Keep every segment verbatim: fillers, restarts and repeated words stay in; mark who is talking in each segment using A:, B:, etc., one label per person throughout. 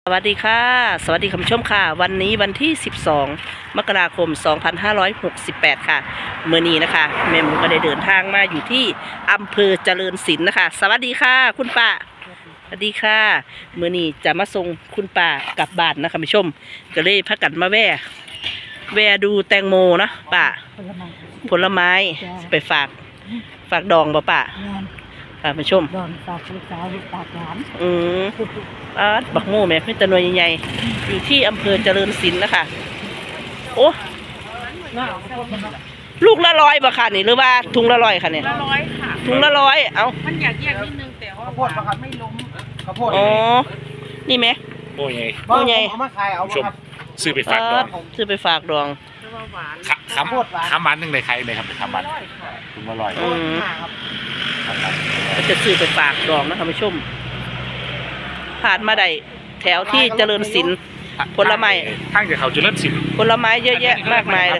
A: สวัสดีค่ะสวัสดีคุณผู้ชมค่ะวันนี้วันที่สิบสองมกราคมสองพันห้าร้อยหกสิบแปดค่ะเมื่อนี้นะคะแม่หมูก็ได้เดินทางมาอยู่ที่อำเภอเจริญศิลป์นะคะสวัสดีค่ะคุณป้าสวัสดีค่ะเมื่อนี้จะมาส่งคุณป้ากลับบ้านนะคะคุณผู้ชมก็เลยพักกันมาแว่แว่ดูแตงโมนะป้าผลไม้ไปฝากฝากดองบ่ป้าค่ะคุณผู้ชม
B: ดอนฝากลูกสาวลูกฝากหลาน
A: อืมอาบักโม่แม่ไม่ตะนวยใหญ่ๆอยู่ที่อำเภอเจริญศิลป์นะคะโอ้ลูกละร้อยบ่ค่ะนี่หรือว่าถุงละร้อยค่ะเนี่ย
C: ละร้อยค่ะ
A: ถุงละร้อยเอ้า
C: มันอยากแยกนิดนึงแต่ว่า
B: ข้าวโพดนะครับไม่ล้มข้าวโพด
A: อ๋อนี่ไหม
D: โอ้ยไง
A: โอ้ยไง
B: เอามาขายเอาครับ
D: ซื้อไปฝากดอง
A: ซื้อไปฝากดอง
C: หวาน
D: ขำขำมันหนึ่งในใครเลยครับเป็นขำมันถุงละร้อย
A: อืมก็จะซื้อไปฝากดองนะคะผู้ชมผ่านมาได้แถวที่เจริญศิลป์ผลไม้
D: ทางจากเขาเจริญศิลป์
A: ผลไม้เยอะแยะมากมายเลย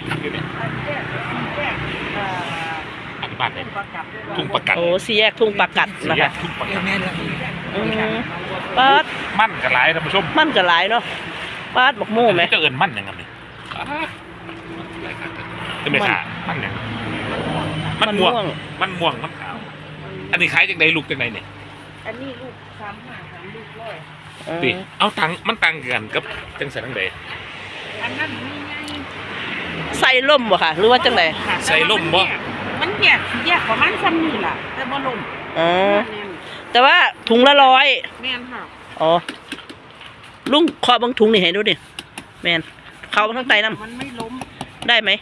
D: อันบ้านไหนทุ่งประกัด
A: โอ้สี่แยกทุ่งประกัดนะคะ
D: ทุ่งประกัด
A: ปาด
D: มั่นกับหลายท่านผู้ชม
A: มั่นกับหลายเนาะปาดบักโม่ไหม
D: จะเอิญมั่นยังไงเนี่ยจะไม่ขามั่นยังมันม่วงมันม่วงมันขาวอันนี้ขายจากไหนลูกจากไหนเนี่ย
C: อันนี้ลูกสามห้าสามลูกร้อย
D: ดิเอาตังมันตังกันกับจังใส่ทั้งใด
C: อันนั้นมีไง
A: ใส่ล่มบ่ค่ะหรือว่าจังไหน
D: ใส่ล่มบ่
C: มันแยกแยกประมาณซ้ำนี่แหละแต่บ่ล่ม
A: อ๋อแต่ว่าถุงละร้อย
C: แม่นค่ะ
A: อ๋อลุงขอบางถุงนี่ให้ดูดิแมนเขาทั้งไตน้ำ
C: มันไม่ล้ม
A: ได้ไหม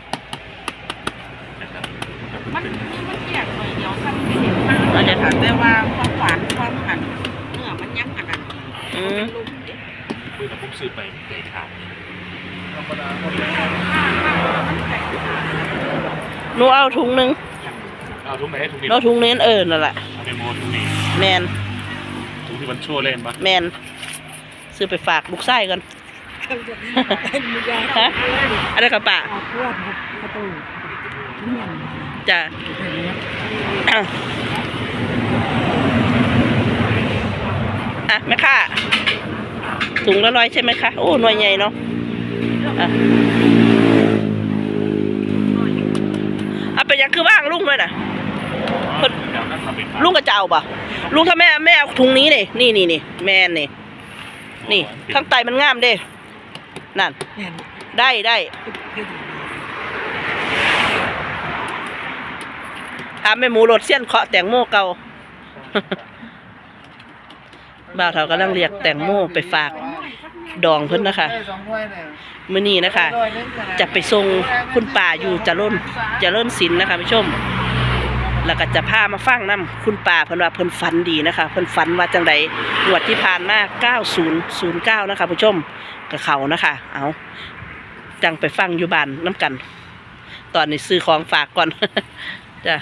C: มันมันแยกหน่อยเดียวซ้ำไม่เห็นค่ะอาจจะถามได้ว่าความหวานความหันเนื้อมันยังอันนั้น
A: อืม
D: คือถ้าผมซื้อไปไก่ขาด
A: หนูเอาถุงนึง
D: เอาถุงไหนถุงนี้
A: เราถุงนี้เออนั่นแหละ
D: เป็นโมถุงนี้
A: แมน
D: ถุงที่มันชั่วเล่นปะ
A: แมนซื้อไปฝากลูกไส้กันฮะอะไรกับป้าจ้ะอ่ะแม่ค่ะถุงละร้อยใช่ไหมคะโอ้หน่วยใหญ่เนาะอ่ะเอาไปยังคือว่างลุงเลยนะลุงกระเจ้าป่ะลุงถ้าแม่แม่เอาถุงนี้นี่นี่นี่นี่แม่นี่นี่ข้างใต้มันงามเด้นั่นได้ได้ถามแม่หมูรถเสี้ยนเคาะแตงโมเก่าบ่าวเฒ่ากำลังเรียกแตงโมไปฝากดองเพิ่นนะคะมื้อนี้นะคะจะไปส่งคุณป่าอยู่เจริญเจริญศิลป์นะคะผู้ชมแล้วก็จะพามาฟังน้ำคุณป่าเพิ่นว่าเพิ่นฝันดีนะคะเพิ่นฝันว่าจังใดงวดที่ผ่านมาเก้าศูนย์ศูนย์เก้านะคะผู้ชมกับเขานะคะเอาจังไปฟังอยู่บ้านน้ำกันตอนนี้ซื้อของฝากก่อนจ้ะ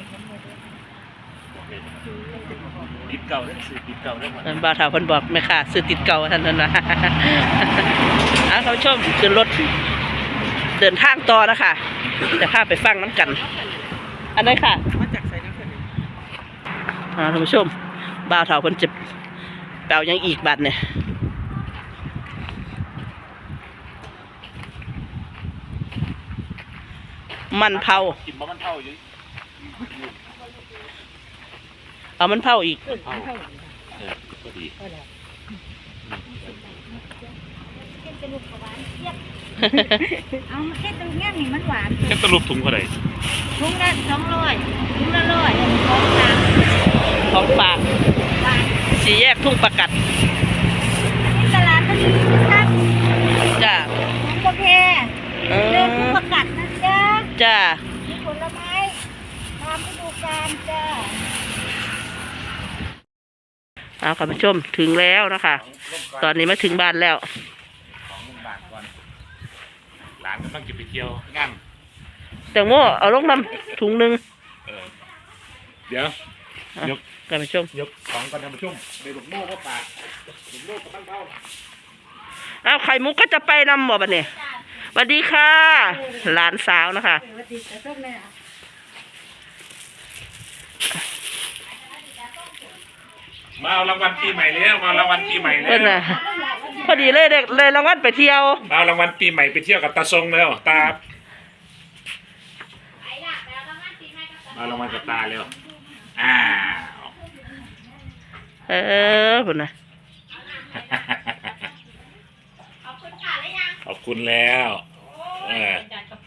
D: ติดเก่าได้ซื้อติดเก่าได้หมด
A: บ่าวเฒ่าเพิ่นบอกแม่ค่ะซื้อติดเก่าท่านนั้นนะเอาเขาชมขึ้นรถเดินทางต่อนะคะจะพาไปฟังน้ำกันอันไหนค่ะ
C: มาจากไสน้ำเพิ่น
A: อ่าท่านผู้ชมบ่าวเฒ่าเพิ่นจะเป่ายังอีกบัดเนี่ยมันเผา
D: กินมันเผาอยู่
A: เอามันเผาอีก
D: เออก็ดี
B: เอาแค่ตรงนี้นี่มันหวาน
D: แค่ตะลุกถุงเท่าไหร่
B: ถุงละสองร้อยถุงละร้อยของฝาก
A: ของฝากสี่แยกทุ่งประกัด
B: ที่ตลาดมันมีซัก
A: จ้า
B: ถุงกาแฟเรื่องทุ่งประกัดนะจ๊ะ
A: จ้า
B: มีผลไม้ตามฤดูกาลจ้า
A: เอาค่ะผู้ชมถึงแล้วนะคะตอนนี้มาถึงบ้านแล้ว
D: หลานกำลังจะไปเที่ยวงาน
A: แตงโมเอาลงน้ำถุงหนึ่ง
D: เดี๋ยวยก
A: กันผู้ชม
D: ยกของกันท่านผู้ชมในหลวงโม่ก็ปากหลวงโม่ก็ตั้งเป้า
A: เอาไข่มุกก็จะไปนำบ่บัดเนี่ยสวัสดีค่ะหลานสาวนะคะ
D: มาเอารางวัลปีใหม่แล้วมาเอารางวัลปีใหม่แล้ว
A: พอดีเลยได้เลยรางวัลไปเที่ยว
D: เอารางวัลปีใหม่ไปเที่ยวกับตาทรงแล้วตาเอารางวัลกับตาเร็วอ้าว
A: เออพุ่นน่ะ
D: ขอบคุณแล้วเออ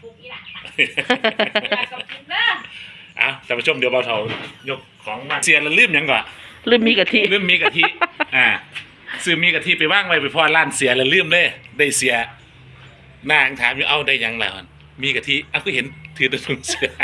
D: เอาท่านผู้ชมเดี๋ยวเบาเถายกของมาเสียแล้วลืมหยังก่อน
A: ลืมมีกะทิ
D: ลืมมีกะทิอ่าซื้อมีกะทิไปว่างไว้ไปพอร้านเสียแล้วลืมเลยได้เสียนางถามอยู่เอาได้หยังแล้วมีกะทิอ้าวก็เห็นถือแตะถุงเสือ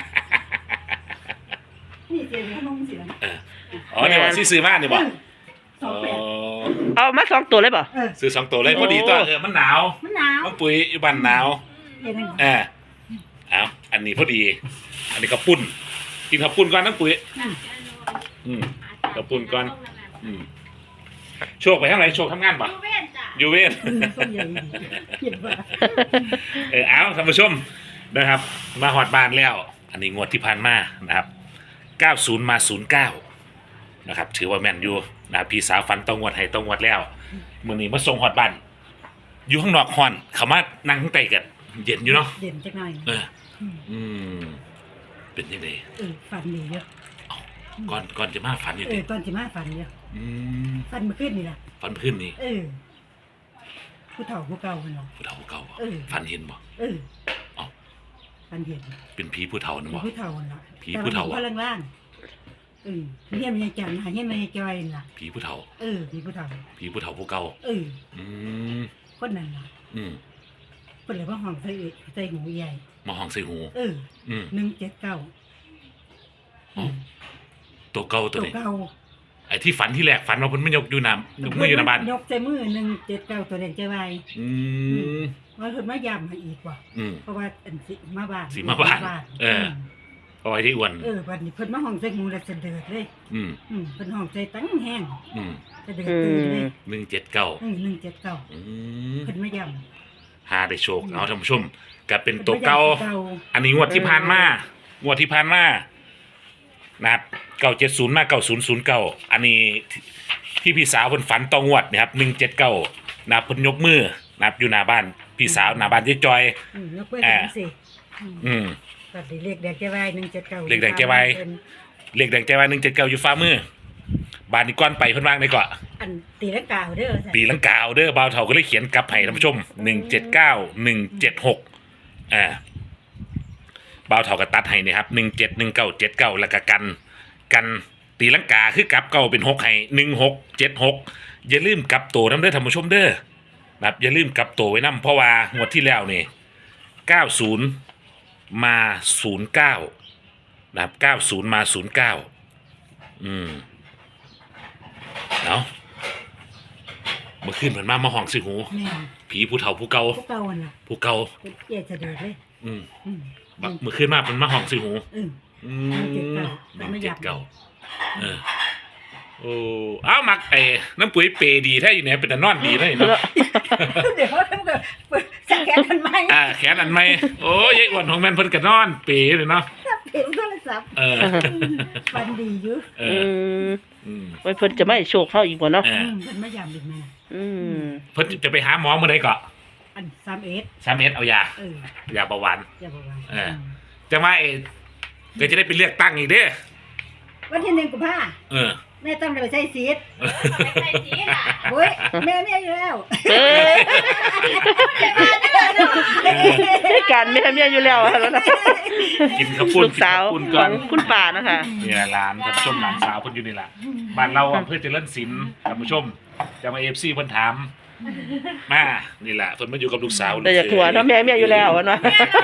B: นี่เจ๊ขนมสิล่ะ
D: เอออ๋อเนี่ยว่าซื้อมาเนี่ยบ่
B: สองแปด
A: เอามาสองตัวเลยเปล่า
B: เออ
D: ซื้อสองตัวเลยพอดีตัวเออมันหนาว
B: มันหนาว
D: มันปุ๋ยอยู่บ้านหนาว
B: เย็น
D: เออเอาอันนี้พอดี อันนี้ข้าวปุ้นกินข้าวปุ้นก่อนนะปุ๋ย
B: นั่น
D: อืมข้าวปุ้นก่อนอืมโชคไปทางไหนโชคทำงานปะยูเวน
B: ต้นใหญ่เขียนว่า
D: เออเอาท่านผู้ชมนะครับ มาหอดบานแล้ว อันนี้งวดที่ผ่านมานะครับเก้าสิบมาศูนย์เก้านะครับถือว่าแม่นอยู่นะพี่สาวฟันต้องงวดให้ต้องงวดแล้วมื้อนี้มาส่งหอดบ้านอยู่ข้างนอกฮอนเขามานั่งข้างใต้กันเย็นอยู่เนาะ
B: เด่นจักหน่อย
D: เอออืมเป็นยังไง
B: เออฝันดีเยอะ
D: ก่อนก่อนจะมาฝันอยู่
B: เอ
D: ดิ
B: อตอนสิมาฝันเยอะ
D: อืม
B: ฝันเมื่อคืนนี่ล่ะ
D: ฝันพื้นนี่
B: เออ ผู้เฒ่าผู้เก่าเพิ่นเนาะ
D: ผู้เฒ่าผู้เก่าบ่
B: เออ
D: ฝันเห็นบ่
B: เออ
D: เอ้า
B: ฝันเห็น
D: เป็นผีผู้เฒ่านะบ่
B: ผู้เฒ่าน่ะ
D: ผีผู้เฒ่า
B: แต่ว่ล่างๆเออเฮียมันยังจังหาเฮียมันยังจอยน่ะ
D: ผีผู้เฒ่า
B: เออผีผู้เฒ่า
D: ผีผู้เฒ่าผู้เก่า
B: เออ
D: อืม
B: คนนั้นน่ะ
D: อืม
B: เพิ่นเลยว่าห้องใส่ใส่หูใหญ่
D: มาห้องใส่หู
B: เออ
D: อืม
B: หนึ่งเจ็ดเก้า
D: อ๋อ ตัวเก่าตัว
B: ตัว
D: นี้
B: เก่า
D: ไอ้ที่ฝันที่แรกฝันว่าเพิ่นไม่ยกอยู่น้ำยกมืออยู่หน้าบ้าน
B: ยกใส่มือหนึ่งเจ็ดเก้าตัวเด่นใจไว
D: อืม
B: ว่าเพิ่นมายามมาอีกว่ะ
D: อืม
B: เพราะว่าอันสิมาบ้าน
D: สิมาบ้านเออ เอาไว้ที่อ้วน
B: เออวันนี้เพิ่นมาห้องใส่หูแล้วจะเดือดเลย
D: อืม
B: อืมเพิ่นห้องใส่ตั้งแห้ง
D: อืม
B: จะเดือดตื่นเลย
D: หนึ่งเจ็ดเก้า
B: อืมหนึ่งเจ็ดเก้า
D: อืม
B: เพิ่นมายาม
D: หาได้โชคเอาท่านผู้ชมก็เป็นตัวเก่า
B: เก่า
D: อันนี้งวดที่ผ่านมางวดที่ผ่านมานะครับเก้าเจ็ดศูนย์มาเก้าศูนย์ศูนย์เก้าอันนี้ที่พี่สาวเพิ่นฝันตองวดนะครับหนึ่งเจ็ดเก้านะครับเพิ่นยกมือนะครับอยู่หน้าบ้านพี่สาวหน้าบ้านเจ๊จอย
B: อืมยกเว้นจังซี่อืม
D: อืม
B: บัดนี้เลขแดงใจไวหนึ่งเจ็ดเก้า
D: เลขแดงใจไว เลขแดงใจว่าหนึ่งเจ็ดเก้าอยู่ฟ้ามือบ้านนี้ก้อนไปเพิ่นวางได้ก่อน
B: อันตีลังกาเด้อ
D: ตีลังกาเอาเด้อบ่าวเฒ่าก็เลยเขียนกลับให้ท่านผู้ชมหนึ่งเจ็ดเก้าหนึ่งเจ็ดหกอ่าบ่าวเฒ่าก็ตัดให้นี่ครับหนึ่งเจ็ดหนึ่งเก้าเจ็ดเก้าแล้วก็กันกันตีลังกาคือกลับเก้าเป็นหกให้หนึ่งหกเจ็ดหกอย่าลืมกลับตัวน้ำเด้อท่านผู้ชมเด้อนะครับอย่าลืมกลับตัวไว้นำเพราะว่างวดที่แล้วนี่เก้าศูนย์มาศูนย์เก้านะครับเก้าศูนย์มาศูนย์เก้าอืมเอาเมื่อคืนเหมือนมามาห้องสิหู
B: แม่น
D: ผีผู้เฒ่าผู้เก่า
B: พวกเก่าน่ะ
D: ผู้เก่า
B: เป็นเจ๊จะเดือดเลย
D: อืม
B: อืม
D: บักเมื่อคืนมาเป็นมาห้องสิหู
B: อืม
D: อื
B: เจ็ด
D: ม
B: เก้า
D: น้อง
B: ไม่อ
D: เจ็
B: ยา
D: ด
B: ก
D: เก่าเออโอ้อ้าวมักไอ้น้ำปุ๋ยเปดีแท้อยู่เนี่ยเป็นแต่นอนดีเลยเนาะ
B: เดี๋ยวทำกับสังแกนกันไหม
D: อ่าแขนอันไหมโอ้ยายอ้วนของแม่นเพิ่นก็นอนเปเลยเนาะ
B: เห็นโทรศัพท์
D: เออ
B: ฟันดีอยู่
D: เอ
A: อื
D: อ
A: ม
D: อืม
A: ไว้เพิ่นจะไม่ให้โชคเฮาอีกบ่เนาะ
D: เออ
B: อืมมันไม่ยามอีกแม่
A: อืม
D: เพิ่นจะไปหาหมอเมื่อใดก็
B: อันสามเอ็ด
D: สามเม็ดเอายา
B: เออย
D: าเบาหวาน
B: อย่าบอกว่า
D: เออ จะมาเอก็จะได้ไปเลือกตั้งอีกเด้อ
B: วันที่หนึ่งกุมภา
D: เออ
B: แม่ต้องไปใช้ซีดโอ้ยแม่แม่อยู่แล้ว
A: เอ้ยให้การแม่เมียอยู่แล้วแล้วนะ
D: กินข้าวปุ้น
A: ลูกสาว
D: กิน
A: ข
D: ข้
A: อ
D: ว
A: ง
D: ปุ้นก่อน
A: คุณป่านะคะ
D: นี่แหละร้านท่านผู้ชมหลานสาวเพิ่นอยู่นี่แหละบ้านเราอำเภอเจริญศิลป์ท่านผู้ชมจะมาเอฟซีเพิ่นถามมานี่แหละเพิ่นมาอยู่กับลูกสาว
A: แต่อยากหัวเนาะแม่เมียอยู่แล้วอะเนาะ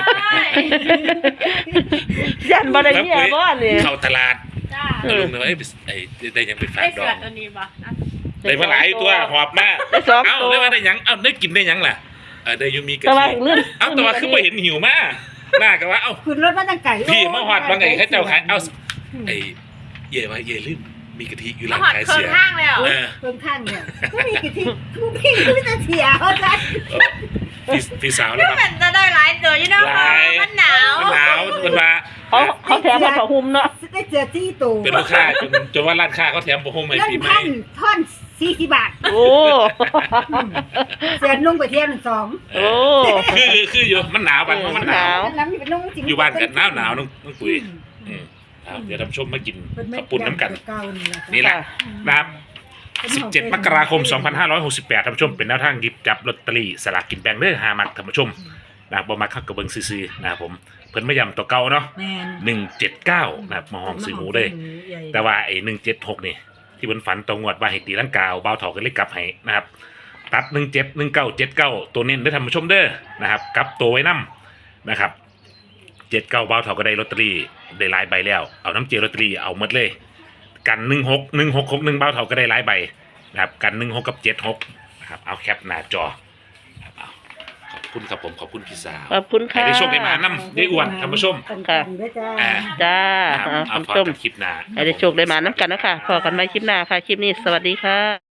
A: ยันบ่ได้เมียบ่นี่
D: เข้าตลาด
C: จ้า
A: เอ
D: แล้ว
A: อ
D: ลุงเลยว่าเอ้ยไอ้ได้ยังไปฝาก
C: ได้
D: ด
C: เสื
D: อ
C: อก ตัวนี้ปะ
D: ได้มาหลายตัวหอบมา
A: ได้สอง
D: เอ้า
A: ตัว
D: ได้มาได้หยังเอ้าได้กินได้หยังล่ะเออได้อยูมีกะ
A: แต่ว่า
D: ทิ
A: เรื่อง
D: เอ้าแต่ว่าคือบ่เห็นหิวมาหน้าก็ว่าเอ้า
B: คุณรถมาตั้งไก่
D: พี่มาฮอดว่าไงเขาเจ้าขายเอ้าไอ้เย่ว่าเย่ลืมมีกะทิอยู่
C: มา
D: ร้าน
C: หอด
D: ขาย
C: เคิ
D: เสื
C: ง
D: อ
C: ห้างเลยเหรอ
D: เออ
B: เพิ่มข้างเนี่ยก็มีกี่ที่ทุกพี่ก็มีแต่เสียเขาใจ
D: พี่พี่สาวแล้ว
C: ก็
D: ครับ
C: เหมือนจะได้หลายตัวอยู่เนาะ
D: หลาย
C: มันหนาว
D: มันหนาวมันว่า
A: เขาเขาแถมมาผ้าห่มเนาะ
B: ได้เจอที่ตู
D: เป็นลูกค้าจนจนว่าร้านค้าเขาแถมผ้าห่มให้
B: เล่น
D: ปีใหม่
B: พันท่อนสี่สิบบาท
A: โอ้
B: เสือนุ่งไปเที่ยวหนึ่งสอง
A: โอ้
D: คือคือคืออยู่มันหนาวบ้านเพราะมันหนาว
B: น้ำนี่เป็นนุ่งจริง
D: อยู่บ้านกันหนาวหนาวน้องน้องปุ๋ยอืมเอาเดี๋ยวท่านผู้ชมมากินข้าวปุ้นน้ำกัน นี่แหละนะครับ สิบเจ็ด มกราคม สองพันห้าร้อยหกสิบแปดท่านผู้ชมเป็นแนวทางหยิบจับลอตเตอรี่สลากกินแบ่งเด้อหามักท่านผู้ชมนะครับบ่มักคักกระเบิงซื่อๆนะครับผมเพิ่นมาย้ำตัวเก่าเนาะ
B: แม่น
D: หนึ่งเจ็ดเก้านะครับมาห้องซื้อหมูเลยแต่ว่าไอ้หนึ่งเจ็ดหกนี่ที่เพิ่นฝันตรงงวดว่าให้ตีลังกาเอาเบาเถาก็เลยกลับให้นะครับตัดหนึ่งเจ็ดหนึ่งเก้าเจ็ดเก้าตัวเน้นได้อท่านผู้ชมเด้อนะครับกลับตัวไว้นํนะครับเจ็ดเก้าเบาเถาก็ได้ลอตเตอรี่ได้หลายใบแล้วเอาน้ำเจลลอตเตอรี่เอาหมดเลยกันหนึ่งหกหนึ่งหกหกหนึ่งเบาเถาก็ได้หลายใบนะครับกันหนึ่งหกกับเจ็ดหกนะครับเอาแคปหน้าจอครับเอาขอบคุณครับผมขอบคุณพี่สาว
A: ขอบคุณ
D: ให้
A: ค่ะ
D: ได้โชคได้มานำได้อ้วนท่านผู้ชม
A: ค่ะ
D: อ่า
A: จ้า
D: นะครับ
A: อ่า
D: เอา
A: ท่าน
D: พอ
A: ผู้ชม
D: กันคลิปหน้า
A: ให้ได้โชคได้มาน้ำกันนะคะพอกันใหม่คลิปหน้าค่ะ คลิปนี้สวัสดีค่ะ